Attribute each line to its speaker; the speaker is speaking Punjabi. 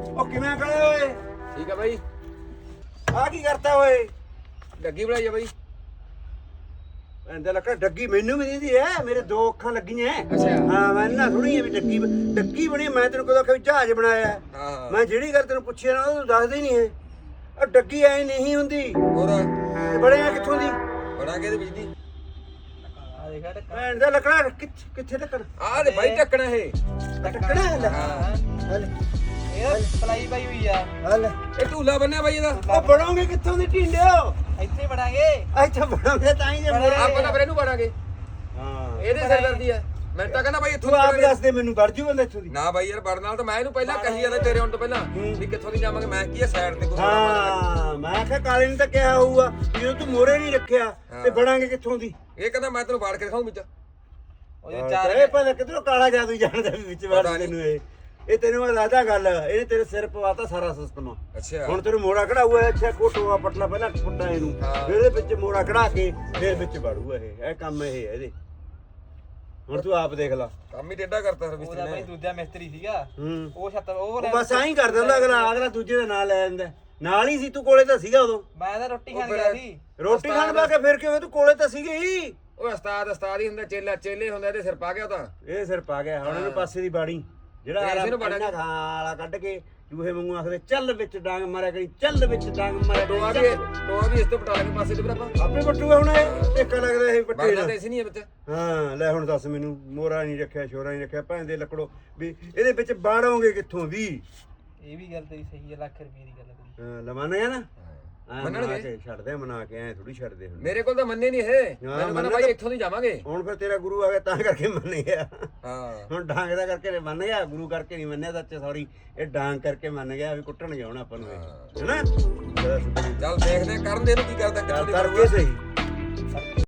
Speaker 1: ਉਹ ਕਿਵੇਂ ਖੜੇ ਓਏ?
Speaker 2: ਠੀਕ ਆ ਬਾਈ।
Speaker 1: ਆ ਕੀ ਕਰਤਾ ਓਏ?
Speaker 2: ਡੱਗੀ ਬਣਾਈ ਆ ਬਾਈ।
Speaker 1: ਐਂਦਾ ਲੱਗਾ ਡੱਗੀ ਮੈਨੂੰ ਵੀ ਦੀਦੀ ਐ, ਮੇਰੇ ਦੋ ਅੱਖਾਂ ਲੱਗੀਆਂ।
Speaker 2: ਅੱਛਾ।
Speaker 1: ਹਾਂ ਮੈਂ ਨਾ ਥੋੜੀ ਵੀ ਡੱਗੀ ਬਣੀ। ਮੈਂ ਤੈਨੂੰ ਕਦੋਂ ਕਿ ਜਹਾਜ਼ ਬਣਾਇਆ।
Speaker 2: ਹਾਂ
Speaker 1: ਮੈਂ ਜਿਹੜੀ ਗੱਲ ਤੈਨੂੰ ਪੁੱਛਿਆ ਨਾ ਉਹ ਤੂੰ ਦੱਸਦਾ ਹੀ ਨਹੀਂ ਹੈ। ਉਹ ਡੱਗੀ ਐ ਨਹੀਂ ਹੁੰਦੀ।
Speaker 2: ਹੋਰ
Speaker 1: ਤੇ ਬਣਿਆ ਕਿੱਥੋਂ ਦੀ?
Speaker 2: ਬਣਾ ਕੇ ਇਹਦੇ ਵਿੱਚ ਦੀ
Speaker 1: ਭੈਣ ਦਾ ਲੱਕੜਾ ਕਿੱਥੇ ਢੱਕਣ?
Speaker 2: ਆਹ ਤੇ ਬਾਈ ਢੱਕਣਾ ਇਹ।
Speaker 1: ਢੱਕਣਾ ਹੈ
Speaker 2: ਹਾਂ
Speaker 3: ਇਹ ਪਲਾਈ ਪਾਈ ਹੋਈ ਆ।
Speaker 1: ਹਲ
Speaker 2: ਇਹ ਢੂਲਾ ਬੰਨਿਆ ਬਾਈ ਇਹਦਾ।
Speaker 1: ਉਹ ਬਣੋਗੇ ਕਿੱਥੋਂ ਦੀ ਢੀਂਡਿਓ?
Speaker 3: ਇੱਥੇ ਬਣਾਂਗੇ।
Speaker 1: ਅੱਛਾ ਬਣੋਗੇ ਤਾਂ ਹੀ ਜੇ ਮੋੜਾ।
Speaker 2: ਆਪਾਂ ਤਾਂ ਫਿਰ ਇਹਨੂੰ ਬਣਾਂਗੇ।
Speaker 1: ਹਾਂ
Speaker 2: ਇਹਦੇ ਸਿਰ ਦਰਦੀ ਆ। ਮੈਂ ਤਾਂ ਕਹਿੰਦਾ ਬਾਈ ਇੱਥੋਂ
Speaker 1: ਤੂੰ ਆਪ
Speaker 2: ਨਿਕਲਾਂਗੇ।
Speaker 1: ਦੱਸ ਦੇ ਮੈਨੂੰ ਵੜ ਜੂ ਬੰਦਾ ਇੱਥੋਂ ਦੀ।
Speaker 2: ਨਾ ਬਾਈ ਯਾਰ ਵੜ ਨਾਲ ਤਾਂ ਮੈਂ ਇਹਨੂੰ ਪਹਿਲਾਂ ਕਹੀ ਜਾਂਦਾ ਤੇਰੇ ਆਉਣ ਤੋਂ ਪਹਿਲਾਂ ਵੀ ਕਿੱਥੋਂ ਦੀ ਜਾਵਾਂਗੇ। ਮੈਂ ਕੀ ਆ ਸਾਈਡ ਤੇ ਕੋਈ
Speaker 1: ਹਾਂ ਮੈਂ ਕਿਹਾ ਕਾਲੇ ਨੇ ਤਾਂ ਕਿਹਾ ਹੋਊਗਾ ਵੀ ਜਦੋਂ ਤੂੰ ਮੋਰੇ ਨਹੀਂ ਰੱਖਿਆ ਤੇ ਬਣਾਂਗੇ ਕਿੱਥੋਂ ਦੀ?
Speaker 2: ਇਹ ਕਹਿੰਦਾ ਮੈਂ ਤੈਨੂੰ ਵਾੜ ਕੇ ਦਿਖਾਉਂ ਵਿੱਚ।
Speaker 3: ਉਹ ਚਾਰ
Speaker 1: ਇਹ ਪਹਿਲਾਂ ਕਿਧਰੋਂ ਕਾਲਾ ਜਾਦੂ ਜਾਣਦਾ ਵੀ ਵਿੱਚ ਵੜ ਤੈਨੂੰ ਇਹ ਤੈਨੂੰ ਮੈਂ ਦੱਸਦਾ ਗੱਲ। ਇਹਨੇ ਤੇਰੇ ਸਿਰ ਪਵਾਤਾ ਸਾਰਾ ਸਿਸਟਮ।
Speaker 2: ਅੱਛਾ
Speaker 1: ਹੁਣ ਤੈਨੂੰ ਮੋੜਾ ਕਢਾਊਗਾ। ਅੱਛਾ ਕੋਟੋਆ ਪਟਲਾ ਪਹਿਲਾਂ ਪੁੱਟਾ ਇਹਨੂੰ, ਫਿਰ ਇਹਦੇ ਵਿੱਚ ਮੋੜਾ ਕਢਾ ਕੇ ਫਿਰ ਵਿੱਚ ਵੜੂਗਾ। ਇਹ ਕੰਮ ਇਹ ਹੈ ਇਹਦੇ। ਹੁਣ ਤੂੰ ਆਪ ਦੇਖ ਲਾ।
Speaker 2: ਕੰਮ ਹੀ ਟੇਢਾ ਕਰਤਾ ਫਿਰ
Speaker 3: ਉਹਦਾ ਬਾਈ ਦੂਜਾ ਮਿਸਤਰੀ ਸੀਗਾ।
Speaker 1: ਹੂੰ
Speaker 3: ਉਹ ਛੱਤ ਉਹ
Speaker 1: ਉਹ ਬਸ ਐਂ ਕਰ ਦਿੰਦਾ ਅਗਲਾ ਦੂਜੇ ਦਾ ਨਾਂ ਲੈ ਜਾਂਦਾ। ਨਾਲ ਹੀ ਸੀ ਤੂੰ, ਕੋਲੇ ਤਾਂ ਸੀਗਾ ਉਦੋਂ।
Speaker 3: ਮੈਂ ਤਾਂ ਰੋਟੀ ਖਾਣ ਗਿਆ ਸੀ।
Speaker 1: ਰੋਟੀ ਖਾਣ ਪਾ ਕੇ ਫਿਰ ਕਿਵੇਂ ਤੂੰ ਕੋਲੇ ਤਾਂ ਸੀਗੇ ਹੀ।
Speaker 2: ਉਹ ਉਸਤਾਦ ਹੀ ਹੁੰਦਾ, ਚੇਲੇ ਹੁੰਦਾ। ਇਹਦੇ ਸਿਰ ਪਾ ਗਿਆ ਤਾਂ
Speaker 1: ਇਹ ਸਿਰ ਪਾ ਗਿਆ। ਹੁਣ ਇਹਨੂੰ ਪਾਸੇ ਦੀ ਬਾੜੀ ਜਿਹੜਾ
Speaker 2: ਇਸੇ ਨੂੰ ਬਾੜਾਂਗੇ।
Speaker 1: ਖਾਂ ਵਾਲਾ ਕੱਢ ਕੇ ਜੂਹੇ ਵਾਂਗੂ ਆਖਦੇ ਚੱਲ ਵਿੱਚ ਡਾਂਗ ਮਾਰਿਆ ਕਰੀ, ਚੱਲ ਵਿੱਚ ਡਾਂਗ ਮਾਰਿਆ
Speaker 2: ਟੋਆ
Speaker 1: ਕਰੀ।
Speaker 2: ਵੀ ਇਸ ਤੋਂ ਪਟਾ ਕੇ ਪਾਸੇ ਤੇ ਫਿਰ ਆਪਾਂ
Speaker 1: ਆਪੇ ਪੱਟੂਗਾ ਹੁਣ ਇਹ। ਟੇਕਾ ਲੱਗਦਾ ਇਹ ਪੱਟੇ
Speaker 2: ਬਣਦਾ
Speaker 1: ਨਾਲ।
Speaker 2: ਤੇ ਇਸ ਨਹੀਂ ਵਿੱਚ।
Speaker 1: ਹਾਂ ਲੈ ਹੁਣ ਦੱਸ ਮੈਨੂੰ, ਮੋਰਾ ਨਹੀਂ ਰੱਖਿਆ, ਛੋਰਾ ਨਹੀਂ ਰੱਖਿਆ, ਭੈਣ ਦੇ ਲੱਕੜੋ ਵੀ ਇਹਦੇ ਵਿੱਚ ਬਾੜੋਗੇ ਕਿੱਥੋਂ ਵੀ?
Speaker 3: ਇਹ ਵੀ ਗੱਲ ਤੇਰੀ ਸਹੀ ਹੈ। ਲੱਖ ਰੁਪਏ ਦੀ ਗੱਲ ਤੇਰੀ।
Speaker 1: ਹਾਂ ਲਵਾਂਗੇ ਨਾ।
Speaker 2: ਮੰਨਣਗੇ।
Speaker 1: ਛੱਡਦੇ ਮਨਾ ਕੇ ਐ ਥੋੜੀ ਛੱਡਦੇ ਹੁਣ।
Speaker 2: ਮੇਰੇ ਕੋਲ ਤਾਂ ਮੰਨੇ ਨਹੀਂ ਇਹ। ਮੈਨੂੰ ਕਹਿੰਦਾ ਬਾਈ ਇੱਥੋਂ ਦੀ ਜਾਵਾਂਗੇ।
Speaker 1: ਹੁਣ ਫਿਰ ਤੇਰਾ ਗੁਰੂ ਆ ਗਿਆ ਤਾਂ ਕਰਕੇ ਮੰਨੇ ਗਿਆ।
Speaker 2: ਹਾਂ
Speaker 1: ਹੁਣ ਡਾਂਗ ਦਾ ਕਰਕੇ ਮੰਨ ਗਿਆ, ਗੁਰੂ ਕਰਕੇ ਨਹੀਂ ਮੰਨਿਆ। ਸੱਚੇ ਸੌਰੀ, ਇਹ ਡਾਂਗ ਕਰਕੇ ਮੰਨ ਗਿਆ ਵੀ ਕੁੱਟਣ ਗਿਆ ਹੁਣ ਆਪਾਂ ਨੂੰ ਇਹ। ਹੈਨਾ
Speaker 2: ਚੱਲ ਦੇਖਦੇ ਆ ਕਰਨ ਦੇ ਇਹਨੂੰ ਕੀ ਕਰਦਾ ਕਿੱਥੋਂ ਦੀ
Speaker 1: ਕਰਕੇ ਸਹੀ।